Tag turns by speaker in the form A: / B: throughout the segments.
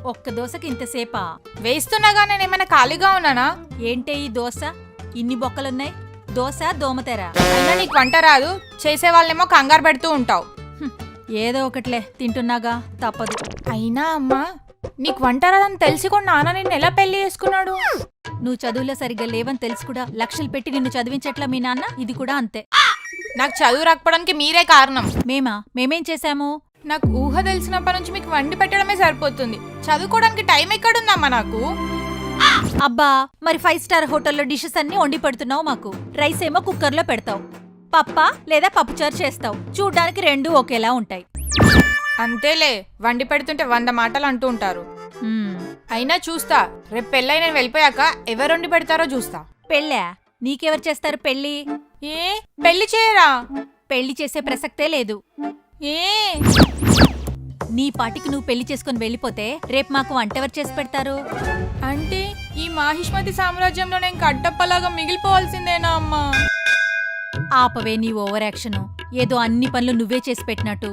A: ఒక్క దోశకి ఇంతసేపా?
B: వేస్తున్నాగా నేను ఏమైనా ఖాళీగా ఉన్నానా?
A: ఏంటే ఈ దోశ ఇన్ని బొక్కలున్నాయి? దోశ దోమతెర.
B: అయినా నీకు వంట రాదు, చేసే వాళ్ళేమో కంగారు పెడుతూ ఉంటావు.
A: ఏదో ఒకట్లే తింటున్నాగా, తప్పదు.
B: అయినా అమ్మా, నీకు వంట రాదని తెలిసి కూడా నాన్న నిన్ను ఎలా పెళ్లి చేసుకున్నాడు?
A: నువ్వు చదువులో సరిగ్గా లేవని తెలిసి కూడా లక్షలు పెట్టి నిన్ను చదివించట్లా మీ నాన్న? ఇది కూడా అంతే.
B: నాకు చదువు రాకపోవడానికి మీరే కారణం.
A: మేమేం చేశాము?
B: నాకు ఊహ తెలిసినప్పటి నుంచి మీకు వండి పెట్టడమే సరిపోతుంది. చదువుకోవడానికి టైం ఎక్కడుందమ్మా నాకు?
A: అబ్బా, మరి 5 స్టార్ హోటల్లో డిషెస్ అన్ని వండి పెడుతున్నావు మాకు. రైస్ ఏమో కుక్కర్లో పెడతావు, పప్ప లేదా పప్పుచారు చేస్తావు. చూడ్డానికి రెండూ ఒకేలా ఉంటాయి.
B: అంతేలే, వండి పెడుతుంటే 100 మాటలు అంటూ ఉంటారు. అయినా చూస్తా, రేపు పెళ్ళై నేను వెళ్ళిపోయాక ఎవరు వండి పెడతారో చూస్తా.
A: పెళ్ళా? నీకెవరు చేస్తారు పెళ్ళి?
B: ఏ పెళ్లి చేయరా?
A: పెళ్లి చేసే ప్రసక్తే లేదు.
B: ఏ
A: నీ పాటికి నువ్వు పెళ్లి చేసుకుని వెళ్ళిపోతే రేపు మాకు వంటెవరు చేసి పెడతారు?
B: అంటే ఈ మాహిష్మతి సామ్రాజ్యంలో నేను కట్టప్పలాగా మిగిలిపోవాల్సిందేనా అమ్మా?
A: ఆపవే నీ ఓవర్ యాక్షన్. ఏదో అన్ని పనులు నువ్వే చేసి పెట్టినట్టు.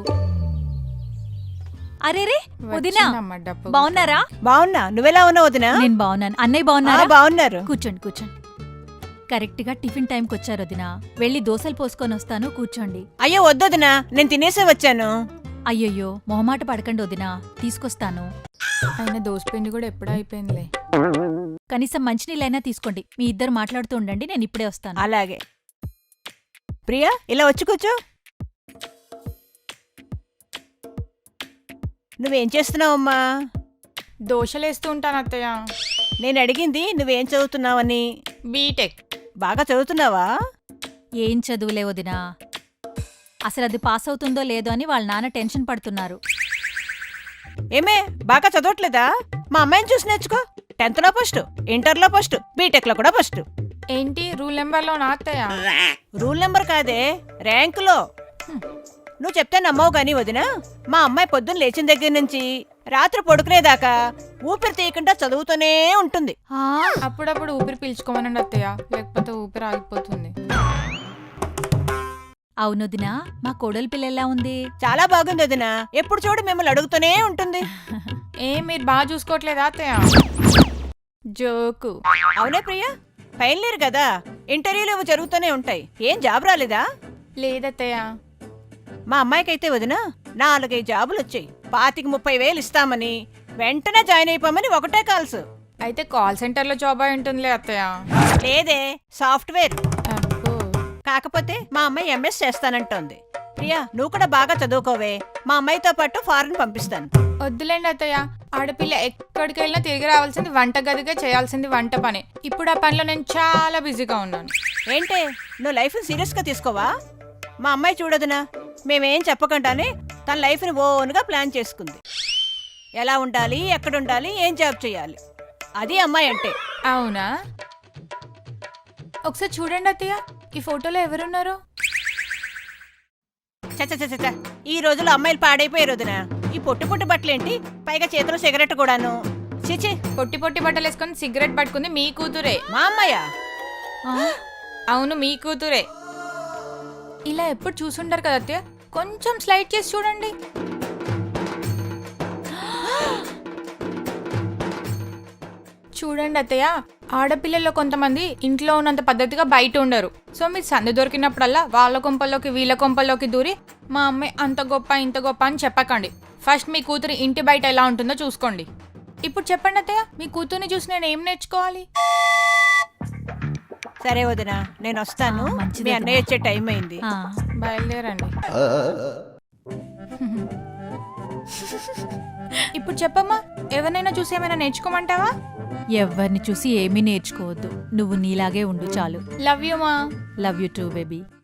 A: అరేరే వదినా, బావున్నారా?
C: బావున్నా, నువ్వెలా ఉన్నావు వదినా?
A: నేను బావున్నాను. అన్నయ్య బావున్నారా?
C: బావున్నారు.
A: కూర్చోండి. కరెక్ట్ గా టిఫిన్ టైంకి వచ్చారు వదినా. వెళ్ళి దోశలు పోసుకొని వస్తాను, కూర్చోండి.
C: అయ్యో వద్దొదినా, నేను తినేసే వచ్చాను.
A: అయ్యయ్యో, మొహమాట పడకండి వదినా, తీసుకొస్తాను.
B: అయినా దోసపిండి కూడా ఎప్పుడూ అయిపోయిందిలే.
A: కనీసం మంచినీళ్ళైనా తీసుకోండి. మీ ఇద్దరు మాట్లాడుతూ ఉండండి, నేను ఇప్పుడే వస్తాను.
C: అలాగే. ప్రియా, ఇలా వచ్చి కూర్చో. నువ్వేం చేస్తున్నావమ్మా?
B: దోశలేస్తూ ఉంటాను అత్తయ్య.
C: నేను అడిగింది నువ్వేం చదువుతున్నావని.
B: బీటెక్.
C: బాగా చదువుతున్నావా?
A: ఏం చదువులే వదినా. అసలు అది పాస్ అవుతుందో లేదో అని వాళ్ళ నాన్న టెన్షన్ పడుతున్నారు.
C: ఏమే, బాగా చదవట్లేదా? మా అమ్మాయిని చూసి నేర్చుకో. 10th లో ఫస్ట్, ఇంటర్లో ఫస్ట్, బీటెక్ లో కూడా ఫస్ట్.
B: ఏంటి రూల్ నెంబర్లో నా అత్తయ్య?
C: రూల్ నెంబర్ కాదే, ర్యాంకులో. నువ్వు చెప్తే నమ్మవు గాని వదినా, మా అమ్మాయి పొద్దున్న లేచిన దగ్గర నుంచి రాత్రి పడుకునేదాకా ఊపిరి తీయకుండా చదువుతూనే ఉంటుంది.
B: అప్పుడప్పుడు ఊపిరి పీల్చుకోమనండి అత్తయ్య, లేకపోతే ఊపిరి ఆగిపోతుంది.
A: అవునొదినా, మా కోడలి పిల్ల ఎలా ఉంది?
C: చాలా బాగుంది వదినా, ఎప్పుడు చూడు మిమ్మల్ని అడుగుతూనే ఉంటుంది.
B: మీరు బాగా చూసుకోవట్లేదా అత్తయ్య? జోకు.
C: అవునే ప్రియా, ఫైనల్ ఇయర్ కదా, ఇంటర్వ్యూలు ఇవి జరుగుతూనే ఉంటాయి. ఏం జాబ్ రాలేదా?
B: లేదత్తయ్య.
C: మా అమ్మాయికైతే వదినా 4-5 జాబులు వచ్చాయి. 25,000-30,000 ఇస్తామని, వెంటనే జాయిన్ అయిపోమని ఒకటే కాల్స్.
B: అయితే కాల్ సెంటర్లో జాబ్ అయి ఉంటుందిలే అత్తయ్య.
C: లేదే, సాఫ్ట్వేర్.
B: అబ్బో.
C: కాకపోతే మా అమ్మాయి ఎంఎస్ చేస్తానంటోంది. ప్రియా, నువ్వు కూడా బాగా చదువుకోవే, మా అమ్మాయితో పాటు ఫారెన్ పంపిస్తాను.
B: వద్దులేండి అత్తయ్య, ఆడపిల్ల ఎక్కడికి వెళ్ళినా తిరిగి రావాల్సింది వంట గదిగా, చేయాల్సింది వంట పని. ఇప్పుడు ఆ పనిలో నేను చాలా బిజీగా ఉన్నాను.
C: ఏంటే, నువ్వు లైఫ్ సీరియస్ గా తీసుకోవా? మా అమ్మాయి చూడదునా, మేమేం చెప్పకుండానే తన లైఫ్ని ఓన్గా ప్లాన్ చేసుకుంది. ఎలా ఉండాలి, ఎక్కడుండాలి, ఏం జాబ్ చేయాలి, అది అమ్మాయి అంటే.
B: అవునా? ఒకసారి చూడండి అత్తయ్య, ఈ ఫోటోలో ఎవరున్నారు?
C: చచ్చ, ఈ రోజుల్లో అమ్మాయిలు పాడైపోయే రోజున ఈ పొట్టి పొట్టి బట్టలేంటి, పైగా చేతిలో సిగరెట్ కూడాను. చిచి,
B: పొట్టి పొట్టి బట్టలు వేసుకొని సిగరెట్ పట్టుకుంది మీ కూతురే.
C: మా అమ్మాయా?
B: అవును, మీ కూతురే. ఇలా ఎప్పుడు చూసుంటారు కదా అత్తయ్య, కొంచెం స్లైడ్ చేసి చూడండి. చూడండి అత్తయ్య, ఆడపిల్లల్లో కొంతమంది ఇంట్లో ఉన్నంత పద్ధతిగా బయట ఉండరు. సో మీరు సందు దొరికినప్పుడల్లా వాళ్ళ కొంపల్లోకి వీళ్ళ కొంపల్లోకి దూరి మా అమ్మాయి అంత గొప్ప ఇంత గొప్ప అని చెప్పకండి. ఫస్ట్ మీ కూతురు ఇంటి బయట ఎలా ఉంటుందో చూసుకోండి. ఇప్పుడు చెప్పండి అత్తయ్య, మీ కూతుర్ని చూసి నేను ఏం నేర్చుకోవాలి?
C: సరే వదినా, నేను వస్తాను. మీ అన్నయ్య వచ్చే టైం అయింది,
B: బయలుదేరండి. ఇప్పుడు చెప్పమ్మా, ఎవరినైనా చూసి ఏమైనా నేర్చుకోమంటావా?
A: ఎవరిని చూసి ఏమీ నేర్చుకోవద్దు, నువ్వు నీలాగే ఉండు చాలు.
B: లవ్ యూ మా.
A: Love you too baby.